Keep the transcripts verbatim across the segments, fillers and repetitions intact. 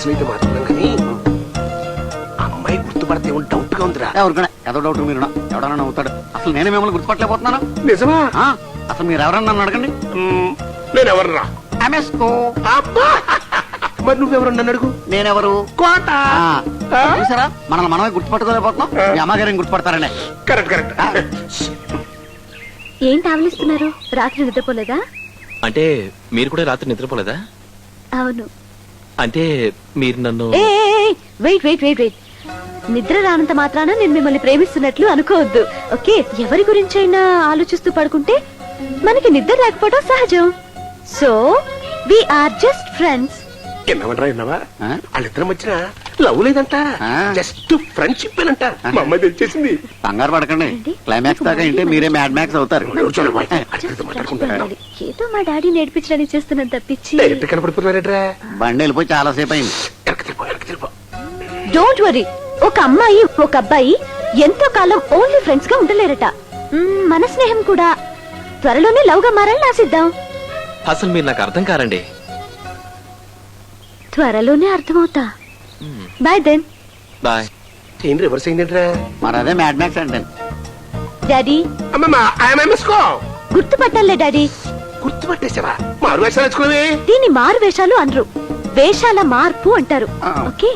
అయితే మాట్లాడడం కానీ అమ్మాయి గుర్తుపడితే డౌట్ గా ఉందిరా. ఎవరికైనా ఏదో డౌట్ మీరు ఎవడన్నా నవ్వుతాడు. అసలు నేనే మిమ్మల్ని గుర్తుపట్టలేకపోతున్నాను. నిజమా? అసలు మీరు ఎవరన్నా నన్ను అడగండి. నేను ఎవరురా? మరి నువ్వెవరు నన్ను అడుగు. నేనెవరు? కోట. చూసారా మనల్ని మనమే గుర్తుపట్టుకోలేకపోతున్నాం. మీ అమ్మగారిని గుర్తుపడతారండి. Correct correct. ఏంటి ఆవలిస్తున్నారు? రాత్రి నిద్రపోలేదా? అంటే మీరు కూడా రాత్రి నిద్రపోలేదా? అవును. అంటే మీరు నన్ను వెయిట్ వెయిట్ వెయిట్ వెయిట్ నిద్ర రానంత మాత్రాన నేను మిమ్మల్ని ప్రేమిస్తున్నట్లు అనుకోవద్దు. ఓకే, ఎవరి గురించైనా ఆలోచిస్తూ పడుకుంటే మనకి నిద్ర లేకపోవడం సహజం. So we are just friends. ఎన్నవనరా ఎన్నవా? వాళ్ళిద్దరం వచ్చిన లవ్ లేదంట, జస్ట్ ఫ్రెండ్షిప్ అంట. మా అమ్మాయి తెలిచేసింది. కంగారు పడకండి, క్లైమాక్స్ దాకా ఇంటే మీరే మ్యాడ్ మ్యాక్స్ అవుతారు. ఏదో మా డాడీ నేర్పించడానికి చేస్తున్నాను తప్పించి కనపడిపోతున్నారేట్రా. బండి వెళ్ళిపోయి చాలా సేపు అయింది. డోంట్ వరీ, ఒక అమ్మాయి ఒక అబ్బాయి ఎంతో కాలం ఓన్లీ ఫ్రెండ్స్ గా ఉండలేరట. మన స్నేహం కూడా త్వరలోనే లవ్ గా మారాలని ఆశిద్దాం. అసలు మీరు నాకు అర్థం కారండి. త్వరలోనే అర్థమవుతా. Bye then. బాయ్. ఏం రివర్స్ అయిందంట్రా? మరి అదే మ్యాడ్ మ్యాక్స్ అంటే. డాడీ గుర్తుపట్టాలే డాడీ. గుర్తుపట్టేసావా? మారు వేషాలు వేసుకునేవి. దీన్ని మారు వేషాలు అనరు, వేషాల మార్పు అంటారు. ఓకే.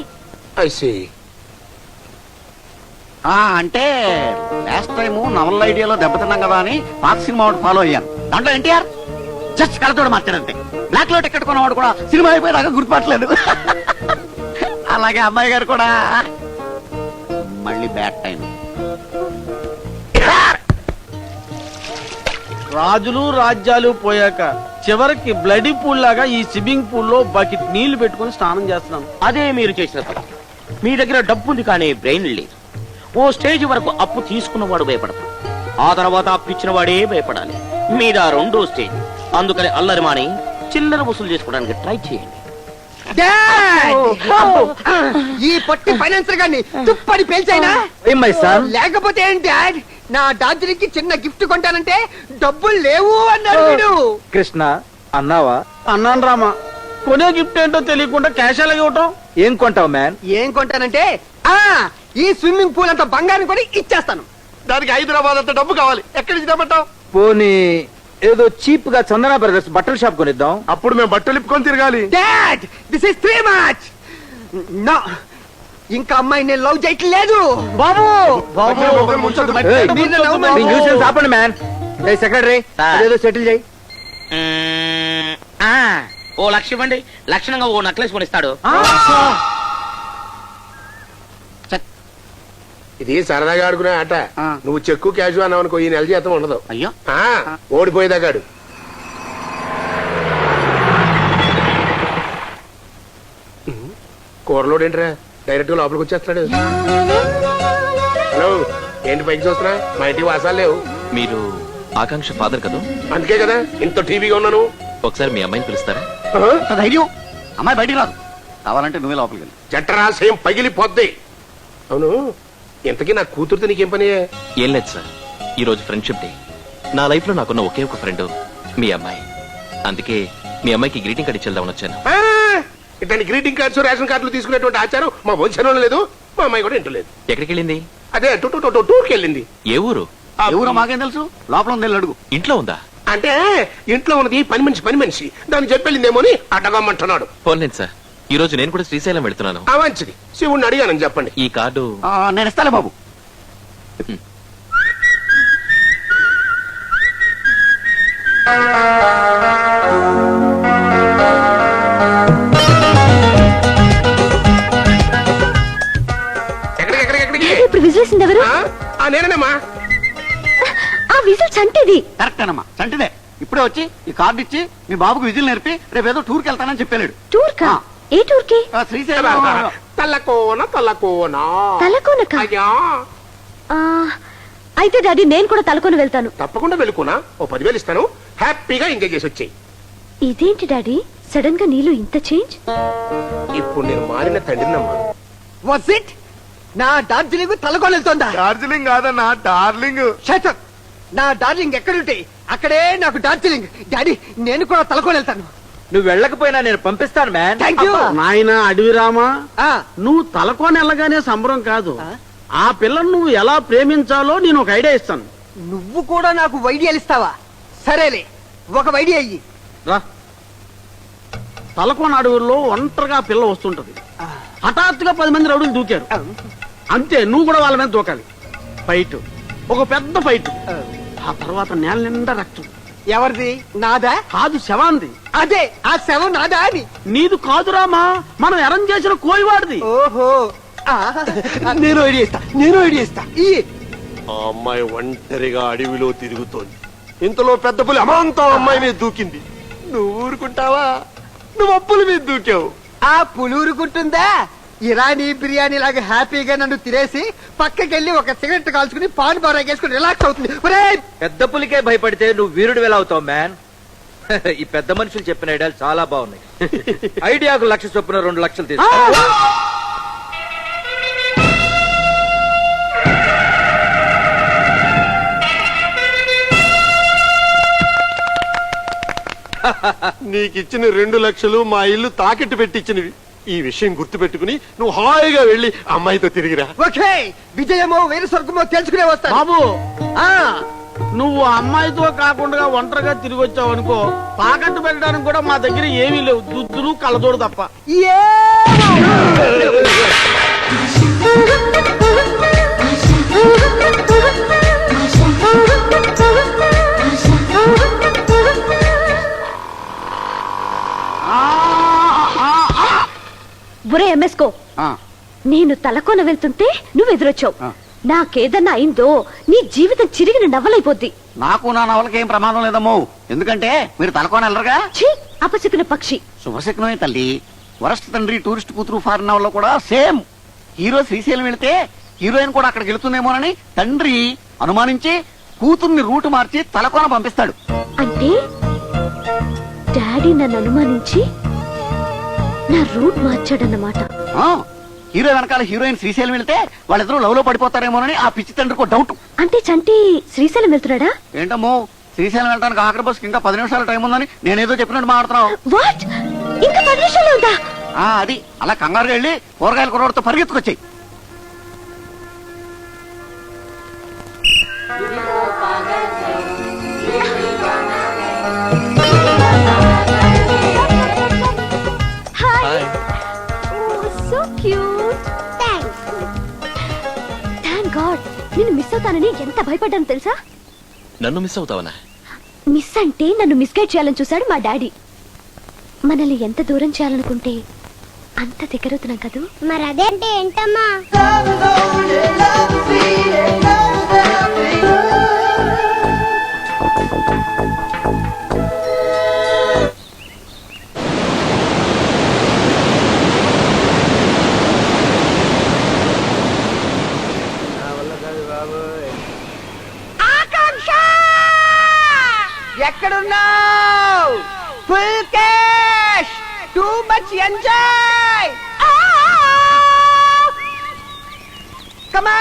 అంటే లాస్ట్ టైం నవల్ ఐడియాలో దెబ్బతిన్నాం కదా అని పాత సినిమా ఒకటి ఫాలో అయ్యాను. దాంట్లో ఎన్టీఆర్ జస్ట్ కళ్ళతోడు మార్చాడంతే. బ్లాక్ లో టికెట్ కొన్నవాడు కూడా సినిమా అయిపోయేదాకా గుర్తుపట్టలేదు. అలాగే అమ్మాయి గారు కూడా మళ్ళీ బ్యాడ్ టైం. రాజులు రాజ్యాలు పోయాక చివరికి బ్లడీ పూల్ లాగా ఈ స్విమ్మింగ్ పూల్ లో బకెట్ నీళ్లు పెట్టుకుని స్నానం చేస్తున్నాను. అదే మీరు చేసిన తప్పు. మీ దగ్గర డబ్బు ఉంది కానీ బ్రెయిన్ లేదు. ఓ స్టేజ్ వరకు అప్పు తీసుకున్నవాడు భయపడతాడు, ఆ తర్వాత అప్పు ఇచ్చిన వాడే భయపడాలి. మీద రెండో స్టేజ్. అందుకని అల్లరి మాని చిల్లర వసూలు చేసుకోవడానికి ట్రై చేయండి. ఈ పొట్టి ఫైనాన్సర్ గారిని తుప్పని పేల్చైనా లేకపోతే ఏంటి డాడ్? నా డార్జిలింగ్ కి చిన్న గిఫ్ట్ కొంటానంటే డబ్బులు లేవు అన్నాడు వీడు. కృష్ణ అన్నావా? అన్నాను రామా. కొనే గిఫ్ట్ ఏంటో తెలియకుండా క్యాష్ అలాగే ఇవ్వటం. ఏం కొంటావు మ్యాన్? ఏం కొంటానంటే ఆ ఈ స్విమ్మింగ్ పూల్ అంత బంగారం కొని ఇచ్చేస్తాను. దానికి హైదరాబాద్ అంత డబ్బు కావాలి. ఎక్కడి నుంచి తెమ్మంటావు? పోనీ ఏదో చీప్ గా చందన బ్రదర్స్ బట్టల షాప్ కొనిద్దాం. అప్పుడు మేము బట్టలు ఇప్పుకొని తిరగాలి. Dad this is three much. No, ఇంకా అమ్మాయి నేను లవ్ చేయట్లేదు. బాబు ఆపండి మ్యాన్. సెక్రటరీ ఏదో సెటిల్ చేయి. ఓ లక్ష ఇవ్వండి, లక్షణంగా ఓ నెక్లెస్ కొనిస్తాడు. ఇది సరదాగా ఆడుకునే ఆట. నువ్వు చెక్కు క్యాష్ అన్నావు అనుకో, ఈ నెల జీతం ఉండదు. అయ్యో ఓడిపోయేదాకాడు. కూరలోడేంట్రా డైరెక్ట్ గా లోపలికి వచ్చేస్తున్నాడు. హలో, ఏంటి పైకి చూస్తున్నా? మా ఇంటికి వాసాలు లేవు. మీరు ఆకాంక్ష ఫాదర్ కదా? అందుకే కదా ఇంత టీవీగా ఉన్నాను. ఒకసారి మీ అమ్మాయిని పిలుస్తారా? ధైర్యం, అమ్మాయి బయటికి రాదు. కావాలంటే నువ్వే లోపలికి వెళ్ళి. జఠరాశయం పగిలిపోద్ది. అవును, ఇంతకీ నా కూతురుతో నీకేం పని? ఏం లేదు సార్, ఈ రోజు ఫ్రెండ్షిప్ డే. నా లైఫ్ లో నాకున్న ఒకే ఒక ఫ్రెండ్ మీ అమ్మాయి. అందుకే మీ అమ్మాయికి గ్రీటింగ్ కార్డు ఇచ్చేద్దామని వచ్చాను. ఇట్లాంటి గ్రీటింగ్ కార్డ్స్ రేషన్ కార్డులు తీసుకునేటువంటి ఆచారం మా వంశంలో లేదు. మా అమ్మాయి కూడా ఇంటలేదు. ఎక్కడికి వెళ్ళింది? అదే టూర్కి వెళ్ళింది. ఏ ఊరు? ఎవరో మాకేం తెలుసు. లోపల ఉంది, అడుగు. ఇంట్లో ఉందా? అంటే ఇంట్లో ఉన్నది పని మనిషి పని మనిషి దాన్ని చెప్పెళ్ళిందేమో అని అడ్డగమ్మంటున్నాడు. పోన్లేదు సార్, ఈ రోజు నేను కూడా శ్రీశైలం వెళ్తున్నాను. ఆ మంచిది, శివుణ్ణి అడిగానని చెప్పండి. ఈ కార్డు నేను ఇస్తాలే బాబు. ఇప్పుడు విజిలేసింది ఎవరు? నేనేనమ్మా. ఆ విజిల్ చంటిది. కరెక్ట్ అనమ్మా, చంటిదే. ఇప్పుడే వచ్చి ఈ కార్డు ఇచ్చి మీ బాబుకు విజిల్ నేర్పి రేపు ఏదో టూర్కి వెళ్తానని చెప్పాడు. టూర్ కా? ఏ టూర్ కి? శ్రీశైలం. తల్లకోన తల్లకోన తలకోనక. అయితే డాడీ నేను కూడా తలకోన వెళ్తాను. తప్పకుండా వెళ్ళుకోనా. ఓ పదివేలు ఇస్తాను, హ్యాపీగా ఎంజాయ్ చేసి వచ్చేయి. ఇదేంటి డాడీ సడన్ గా నీలో ఇంత చేంజ్? ఇప్పుడు నేను మారిన తండ్రినమ్మా. What's it? నా డార్జిలింగ్ తలకోన వెళ్తుందా? డార్జిలింగ్ కాదన్నా, డార్లింగ్. నా డార్లింగ్ ఎక్కడుంటే అక్కడే నాకు డార్జిలింగ్. డాడీ నేను కూడా తలకోన వెళ్తాను. నువ్వు వెళ్ళకపోయినా నేను పంపిస్తాను మ్యాన్. Thank you. నాయన అడవి రామా, ఆ, నువ్వు తలకోని వెళ్ళగానే సంబరం కాదు, ఆ పిల్లను నువ్వు ఎలా ప్రేమించాలో నేను ఒక ఐడియా ఇస్తాను. నువ్వు కూడా నాకు వైడియాలు ఇస్తావా? సరేలే, ఒక వైడియా అయ్యి. రా. తలకోన అడవుల్లో ఒంటరిగా ఆ పిల్ల వస్తుంటది. హఠాత్తుగా పది మంది రౌడీలు దూకారు. అంతే, నువ్వు కూడా వాళ్ళ మీద దూకాలి. ఫైట్, ఒక పెద్ద ఫైట్. ఆ తర్వాత నేల నిండా రక్తం. ఎవరిది? నాదా? కాదు, శవాంది. అదే, ఆ శవం నాదా అని. నీదు కాదు రామా, మనం అరేంజ్ చేసిన కోయివాడిది. ఓహో, ఆ, నేను ఐడియా ఇస్తా, నేను ఐడియా ఇస్తా. ఈ ఆ అమ్మాయి ఒంటరిగా అడవిలో తిరుగుతోంది. ఇంతలో పెద్ద పులి అమాంతం అమ్మాయి మీద దూకింది. నువ్వు ఊరుకుంటావా? నువ్వు అప్పుల మీద దూకావు. ఆ పులూరుకుంటుందా? ఇరానీ బిర్యానీ లాగా హ్యాపీగా నన్ను తినేసి పక్కకెళ్ళి ఒక సిగరెట్ కాల్చుకుని పాన్ బారేసుకుని రిలాక్స్ అవుతుంది. ఒరేయ్, పెద్ద పులికే భయపడితే నువ్వు వీరుడు ఎలా అవుతావు మ్యాన్? ఈ పెద్ద మనుషులు చెప్పిన ఐడియాలు చాలా బాగున్నాయి. ఐడియాకు లక్ష చొప్పున రెండు లక్షలు తీసుకో. నీకిచ్చిన రెండు లక్షలు మా ఇల్లు తాకట్టు పెట్టించినవి. ఈ విషయం గుర్తు పెట్టుకుని నువ్వు హాయిగా వెళ్ళి అమ్మాయితో తిరిగిరా. ఓకే, విజయమో వేరు స్వర్గమో తెలుసుకునే వస్తాను. బాబు, ఆ, నువ్వు ఆ అమ్మాయితో కాకుండా ఒంటరిగా తిరిగి వచ్చావు అనుకో, తాకట్టు పెట్టడానికి కూడా మా దగ్గర ఏమీ లేవు, దుద్దులు కళ్ళజోడు తప్ప. ఏమో. ఒరే ఎంఎస్కో, ఆ, నేను తలకోన వెళ్తుంటే నువ్వు ఎదురొచ్చావు. ఆ. నాకేదన్నా అయిందో నీ జీవితం చిరిగిన నవ్వలైపోద్ది. నాకు నా నవలకి ఏం ప్రమాదం లేదమ్మో, ఎందుకంటే మీరు తలకోన వెళ్ళరుగా. ఛీ, అపశకున పక్షి. శుభశకునమే తల్లి. వరస్ట్ తండ్రి టూరిస్ట్ కూతురు ఫారిన్ నవల్లో కూడా సేమ్. హీరో శ్రీశైలం వెళితే హీరోయిన్ కూడా అక్కడికి వెళుతుందేమోనని తండ్రి అనుమానించి కూతుర్ని రూట్ మార్చి తలకోన పంపిస్తాడు. అంటే డాడీ నన్ను అనుమానించి నా రూట్ మార్చాడన్నమాట. ఆ, హీరో వెనకాల హీరోయిన్ శ్రీశైలం వెళితే వాళ్ళిద్దరూ లవ్ లో పడిపోతారేమోనని ఆ పిచ్చి తండ్రికి డౌట్. అంటే చంటి శ్రీశైలం వెళ్తున్నాడా? ఏంటమ్మో, శ్రీశైలం వెళ్ళడానికి ఆఖరి బస్కి ఇంకా పది నిమిషాల టైం ఉందని నేనేదో చెప్పినట్టు మాట్లాడుతున్నావు. వాట్, ఇంకా పది నిమిషాలు ఉందా? ఆ, అది అలా కంగారుగా వెళ్ళి కూరగాయల కుర్రోడితో పరిగెత్తుకొచ్చాయి. Hi. So cute. Thanks. Thank god. నిన్ను మిస్ అవుతానని ఎంత భయపడ్డాను తెలుసా? నన్ను మిస్ అవుతావనా? మిస్ అంటే నన్ను మిస్గైడ్ చేయాలని చూశాడు మా డాడీ. మనల్ని ఎంత దూరం చేయాలనుకుంటే అంత దగ్గరవుతున్నాం కదూ. మరి అదేంటి ఏంటమ్మా? ఎక్కడున్నావు? Full cash, too much enjoy. Come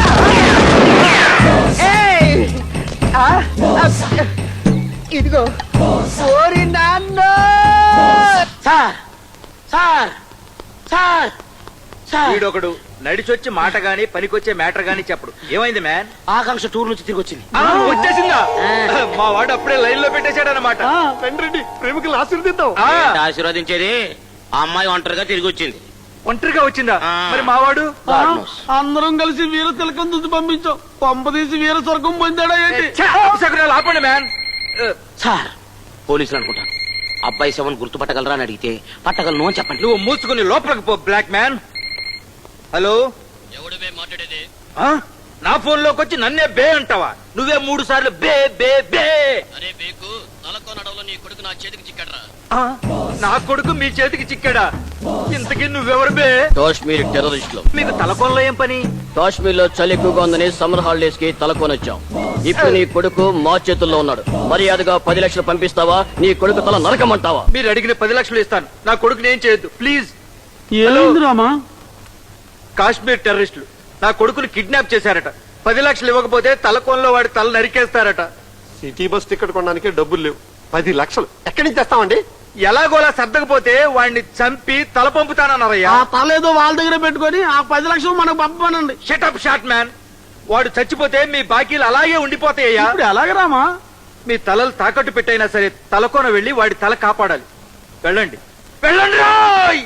on. ఇదిగో ఓరి నాన్న. సార్ సార్ సార్ సార్ వీడొకడు నడిచొచ్చి మాట గాని పనికొచ్చే మ్యాటర్ గాని చెప్పడు. ఏమైంది మ్యాన్? ఆకాంక్ష టూర్ నుంచి తిరిగి వచ్చింది. ఆ, వచ్చేసిందా? మా వాడు అప్పుడే లైన్ లో పెట్టేశాడు అనమాట. రండి ప్రేమికులు ఆశీర్దిద్దాం. ఆశీర్వదించేది ఆ అమ్మాయి ఒంటరిగా తిరిగి వచ్చింది. ఒంటరిగా వచ్చిందా? ఆ. మరి మావాడు ఆ, అందరం కలిసి వీర తిలకం దుద్దు పంపించాం. పంపదీసి వీర స్వర్గం పొందాడా ఏంటి? ఛే, అపశకునాలు ఆపండి మ్యాన్. సార్, పోలీసులు అనుకుంటాను. అబ్బాయి శవం గుర్తుపట్టగలరా అని అడిగితే పట్టగలను అని చెప్పండి. నువ్వు మూసుకుని లోపలికి పో బ్లాక్ మ్యాన్. హలో, ఎవడివే మాట్లాడేది? ఆ? నా ఫోన్ లోకి వచ్చి నన్నే బే అంటావా? నువ్వే మూడు సార్లు బే బే బే. అరే బేకు, తలకో నడవలో నీ కొడుకు నా చేతికి చిక్కడరా. ఆ? నా కొడుకు మీ చేతికి చిక్కాడా? ఇంతకీ నువ్వెవరు బే? కాశ్మీర్ టెర్రరిస్టులు. మీకు తలకొనలో ఏం పని? కాశ్మీర్ లో చలి ఎక్కువగా ఉందని సమ్మర్ హాలిడేస్ కి తలకొనొచ్చాం. ఇప్పుడు నీ కొడుకు మా చేతుల్లో ఉన్నాడు. మర్యాదగా పది లక్షలు పంపిస్తావా, నీ కొడుకు తల నరకమంటావా? మీరు అడిగిన పది లక్షలు ఇస్తాను. నా కొడుకుని ఏం చేయొద్దు ప్లీజ్. ఏమైంది రామా? కాశ్మీర్ టెర్రరిస్టులు నా కొడుకుని కిడ్నాప్ చేశారట. పది లక్షలు ఇవ్వకపోతే తలకోనలో వాడి తల నరికేస్తారట. సిటీ బస్ టికెట్ కొనడానికి డబ్బులు లేవు. పది లక్షలు ఎక్కడి నుంచి తెస్తామండి? ఎలాగోలా సర్దకపోతే వాడిని చంపి తల పంపుతానన్నారయ్యా. ఆ తలేదో వాళ్ళ దగ్గర పెట్టుకొని ఆ పది లక్షలు మనకు పంపనండి. Shut up shot man. వాడు చచ్చిపోతే మీ బాకీలు అలాగే ఉండిపోతాయ్యా. ఇప్పుడు ఎలాగ రామా? మీ తలలు తాకట్టు పెట్టైనా సరే తలకోన వెళ్ళి వాడి తల కాపాడాలి. వెళ్ళండి వెళ్ళండి రాయ్.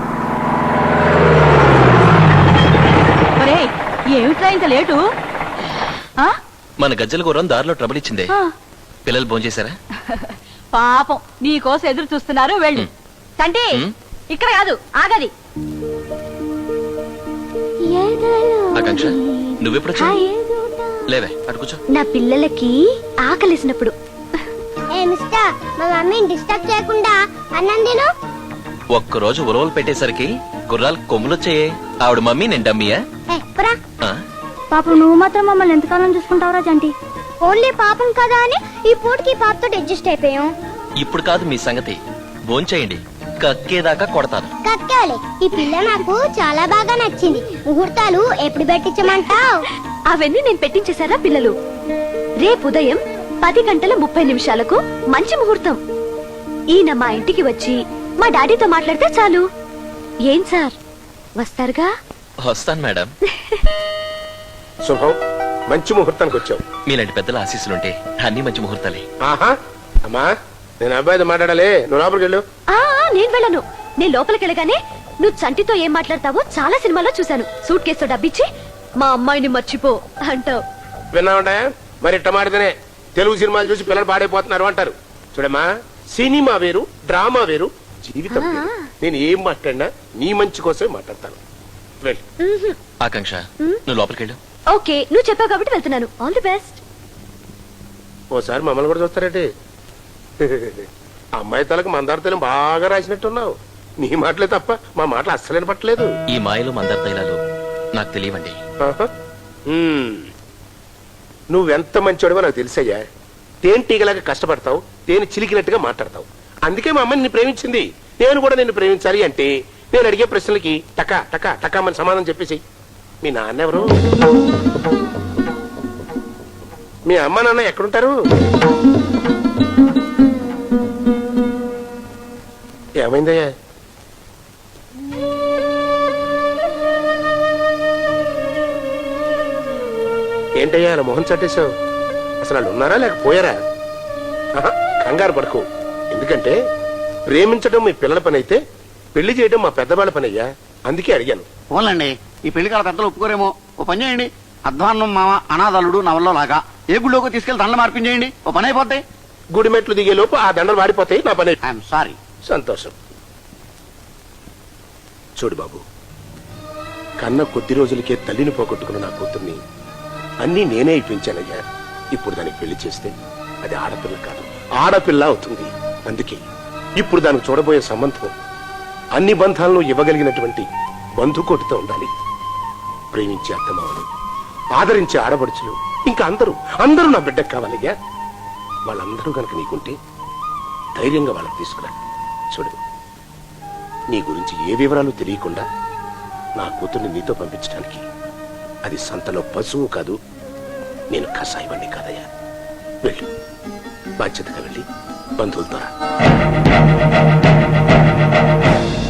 ఏమిట్రా ఇంత లేటు? మన గజ్జల గుర్రం దారిలో ట్రబుల్ ఇచ్చిందే. పిల్లలు భోంచేశారా? పాపం నీ కోసం ఎదురు చూస్తున్నారు. వెళ్ళు. తంటి ఇక్కడ కాదు, ఆగది. ఆకాంక్ష నువ్వెప్పుడు లేవే అటు కూర్చో. నా పిల్లలకి ఆకలిసినప్పుడు. మా మమ్మీని డిస్టర్బ్ చేయకుండా అన్నం తిను. ఒక్కరోజు ఉలవలు పెట్టేసరికి గుర్రాలు కొమ్ములొచ్చాయే. ఆవిడ మమ్మీ నేను డమ్మీయా? ఆ? పాపం నువ్వు మాత్రం మమ్మల్ని ఎంతకాలం చూసుకుంటావురా జంటి? ఓన్లీ పాపం కదా అని ఈ పూటకి పాపతో అడ్జస్ట్ అయిపోయాం. ఇప్పుడు కాదు మీ సంగతి. భోంచేయండి, కక్కేదాకా కొడతాను. కక్కాలి. ఈ పిల్ల నాకు చాలా బాగా నచ్చింది. ముహూర్తాలు ఎప్పుడు పెట్టించమంటావు? అవన్నీ నేను పెట్టించేశారా పిల్లలు? రేపు ఉదయం పది గంటల ముప్పై నిమిషాలకు మంచి ముహూర్తం. ఈయన మా ఇంటికి వచ్చి మా డాడీతో మాట్లాడితే చాలు. ఏం సార్, వస్తారుగా? వస్తాను మేడం. శుభం, మంచి ముహూర్తానికి వచ్చావు. మీలాంటి పెద్దల ఆశీస్సులుంటే అన్ని మంచి ముహూర్తాలే. ఆహా అమ్మా, నేను అబ్బాయితో మాట్లాడాలి, నువ్వు లోపలికి వెళ్ళు. ఆ నేను వెళ్ళను. నేను లోపలికి వెళ్ళగానే నువ్వు చంటితో ఏం మాట్లాడతావో చాలా సినిమాలో చూశాను. సూట్ కేసుతో డబ్బిచ్చి మా అమ్మాయిని మర్చిపో అంటావు. విన్నావుంటా? మరి ఇట్ట మాడితేనే తెలుగు సినిమాలు చూసి పిల్లలు పాడైపోతున్నారు అంటారు. చూడమ్మా, సినిమా వేరు, డ్రామా వేరు, జీవితం వేరు. నేను ఏం మాట్లాడినా నీ మంచి కోసమే మాట్లాడతాను. వెళ్ళు. ఆకాంక్ష నువ్వు లోపలికి వెళ్ళు. ఓకే, నువ్వు చెప్పావు కాబట్టి వెళ్తున్నాను. All the best. ఓసారి మమ్మల్ని కూడా చూస్తారేంటి? అమ్మాయి తలకు మందార తైలం బాగా రాసినట్టున్నావు. నీ మాటలే తప్ప మా మాటలు అస్సలేని పట్టలేదు. ఈ మాయలు మందార తైలాలు నాకు తెలియవండి. నువ్వెంత మంచోడివో నాకు తెలుసయ్యా. తేనెటీగలాగా కష్టపడతావు, తేనె చిలికినట్టుగా మాట్లాడతావు. అందుకే మా అమ్మాయి నిన్ను ప్రేమించింది. నేను కూడా నిన్ను ప్రేమించాలి అంటే నేను అడిగే ప్రశ్నలకి టకా టకా టకా మన సమాధానం చెప్పేసి. మీ నాన్న ఎవరు? మీ అమ్మ నాన్న ఎక్కడుంటారు? ఏమైందయ్యా? ఏంటయ్యా అలా మొహం చట్టేశావు? అసలు వాళ్ళు ఉన్నారా లేకపోయారా? కంగారు పడుకో. ఎందుకంటే ప్రేమించడం మీ పిల్లల పని అయితే పెళ్లి చేయడం మా పెద్దవాళ్ళ పని అయ్యా. అందుకే అడిగాను. పోన్లండి, ఈ పెళ్లి కాల పెద్దలు ఒప్పుకోరేమో. ఓ పని చేయండి, అధ్వాన్నం మామ అనాథలుడు నవల్లో లాగా ఏ గుళ్ళోకి తీసుకెళ్లి దండలు మార్పించేయండి. ఓ పని అయిపోతాయి. గుడి మెట్లు దిగే లోపు ఆ దండలు వాడిపోతాయి. నా పని. I'm sorry. సంతోషం. చూడు బాబు, కన్న కొద్ది రోజులకే తల్లిని పోగొట్టుకున్న నా కూతుర్ని అన్నీ నేనే ఇప్పించానయ్యా. ఇప్పుడు దానికి పెళ్లి చేస్తే అది ఆడపిల్ల కాదు, ఆడపిల్ల అవుతుంది. అందుకే ఇప్పుడు దానికి చూడబోయే సంబంధం అన్ని బంధాలను ఇవ్వగలిగినటువంటి బంధుకోటితో ఉండాలి. ప్రేమించే అత్తమామలు, ఆదరించే ఆడబడుచులు, ఇంకా అందరూ అందరూ నా బిడ్డకు కావాలయ్యా. వాళ్ళందరూ గనక నీకుంటే ధైర్యంగా వాళ్ళకి తీసుకురా. చూడు, నీ గురించి ఏ వివరాలు తెలియకుండా నా కూతుర్ని నీతో పంపించడానికి అది సంతలో పశువు కాదు, నేను కషాయవాణ్ణి కాదయ్యా. వెళ్ళు, బాధ్యతగా వెళ్ళి బంధువులతో రా.